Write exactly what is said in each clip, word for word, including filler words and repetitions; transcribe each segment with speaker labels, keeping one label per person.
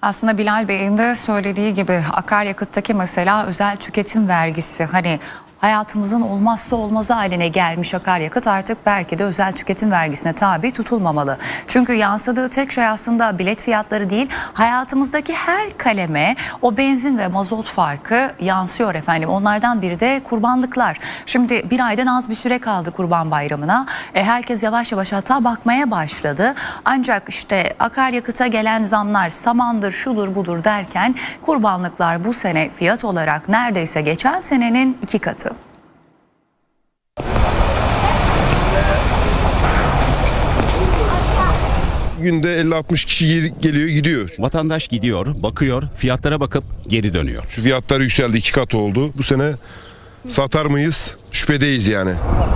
Speaker 1: Aslında Bilal Bey'in de söylediği gibi akaryakıttaki mesela özel tüketim vergisi, hani hayatımızın olmazsa olmazı haline gelmiş akaryakıt artık belki de özel tüketim vergisine tabi tutulmamalı. Çünkü yansıdığı tek şey aslında bilet fiyatları değil, hayatımızdaki her kaleme o benzin ve mazot farkı yansıyor efendim. Onlardan biri de kurbanlıklar. Şimdi bir aydan az bir süre kaldı Kurban Bayramı'na. E, herkes yavaş yavaş hatta bakmaya başladı. Ancak işte akaryakıta gelen zamlar, samandır, şudur budur derken kurbanlıklar bu sene fiyat olarak neredeyse geçen senenin iki katı.
Speaker 2: Günde elli altmış kişi geliyor gidiyor.
Speaker 3: Vatandaş gidiyor, bakıyor, fiyatlara bakıp geri dönüyor.
Speaker 2: Şu fiyatlar yükseldi, iki kat oldu. Bu sene satar mıyız? Şüphedeyiz yani.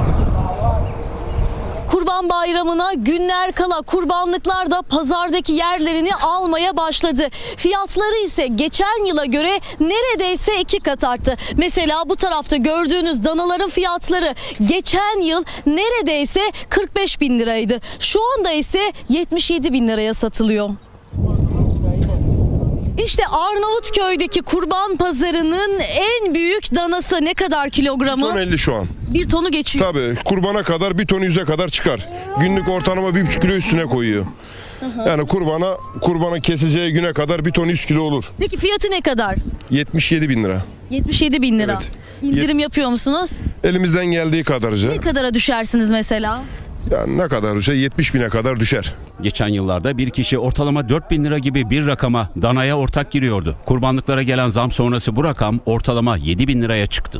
Speaker 4: Kurban Bayramı'na günler kala kurbanlıklar da pazardaki yerlerini almaya başladı. Fiyatları ise geçen yıla göre neredeyse iki kat arttı. Mesela bu tarafta gördüğünüz danaların fiyatları geçen yıl neredeyse kırk beş bin liraydı. Şu anda ise yetmiş yedi bin liraya satılıyor. İşte Arnavutköy'deki kurban pazarının en büyük danası ne kadar kilogramı?
Speaker 2: Ton elli şu an.
Speaker 4: Bir tonu geçiyor.
Speaker 2: Tabii kurbana kadar bir ton yüze kadar çıkar. Günlük ortalama bir buçuk kilo üstüne koyuyor. Yani kurbana kurbana keseceği güne kadar bir ton yüz kilo olur.
Speaker 4: Peki fiyatı ne kadar?
Speaker 2: yetmiş yedi bin lira.
Speaker 4: yetmiş yedi bin lira.
Speaker 2: Evet.
Speaker 4: İndirim yapıyor musunuz?
Speaker 2: Elimizden geldiği kadarca.
Speaker 4: Ne kadara düşersiniz mesela?
Speaker 2: Yani ne kadar şey yetmiş bine kadar düşer.
Speaker 3: Geçen yıllarda bir kişi ortalama dört bin lira gibi bir rakama danaya ortak giriyordu. Kurbanlıklara gelen zam sonrası bu rakam ortalama yedi bin liraya çıktı.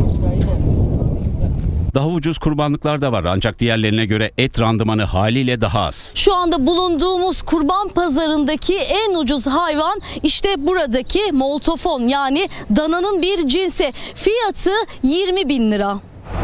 Speaker 3: Daha ucuz kurbanlıklar da var ancak diğerlerine göre et randımanı haliyle daha az.
Speaker 4: Şu anda bulunduğumuz kurban pazarındaki en ucuz hayvan işte buradaki moltofon, yani dananın bir cinsi. Fiyatı yirmi bin lira.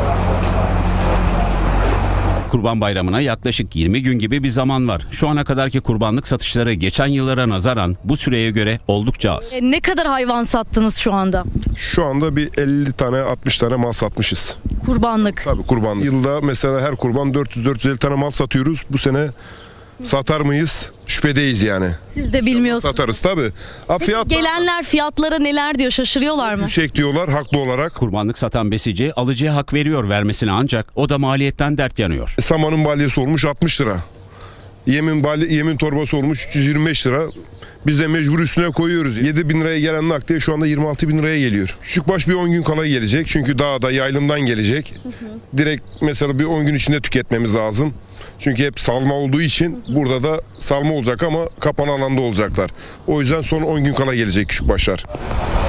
Speaker 3: Kurban Bayramı'na yaklaşık yirmi gün gibi bir zaman var. Şu ana kadarki kurbanlık satışları geçen yıllara nazaran bu süreye göre oldukça az.
Speaker 4: E, ne kadar hayvan sattınız şu anda?
Speaker 2: Şu anda bir elli tane altmış tane mal satmışız.
Speaker 4: Kurbanlık.
Speaker 2: Tabii kurbanlık. Yılda mesela her kurban dört yüz dört yüz elli tane mal satıyoruz. Bu sene satar mıyız? Şüphedeyiz yani.
Speaker 4: Siz de bilmiyorsunuz.
Speaker 2: Satarız tabii. Ha, fiyat
Speaker 4: Gelenler fiyatlara neler diyor, şaşırıyorlar mı?
Speaker 2: yüksek diyorlar haklı olarak.
Speaker 3: Kurbanlık satan besici alıcıya hak veriyor vermesine ancak o da maliyetten dert yanıyor.
Speaker 2: Samanın balyesi olmuş altmış lira. Yemin balya, yemin torbası olmuş üç yüz yirmi beş lira. Biz de mecbur üstüne koyuyoruz. yedi bin liraya gelen nakliye şu anda yirmi altı bin liraya geliyor. Küçükbaş bir on gün kala gelecek. Çünkü dağda yaylımdan gelecek. Hı hı. Direkt mesela bir on gün içinde tüketmemiz lazım. Çünkü hep salma olduğu için burada da salma olacak ama kapalı alanda olacaklar. O yüzden son on gün kala gelecek küçükbaşlar.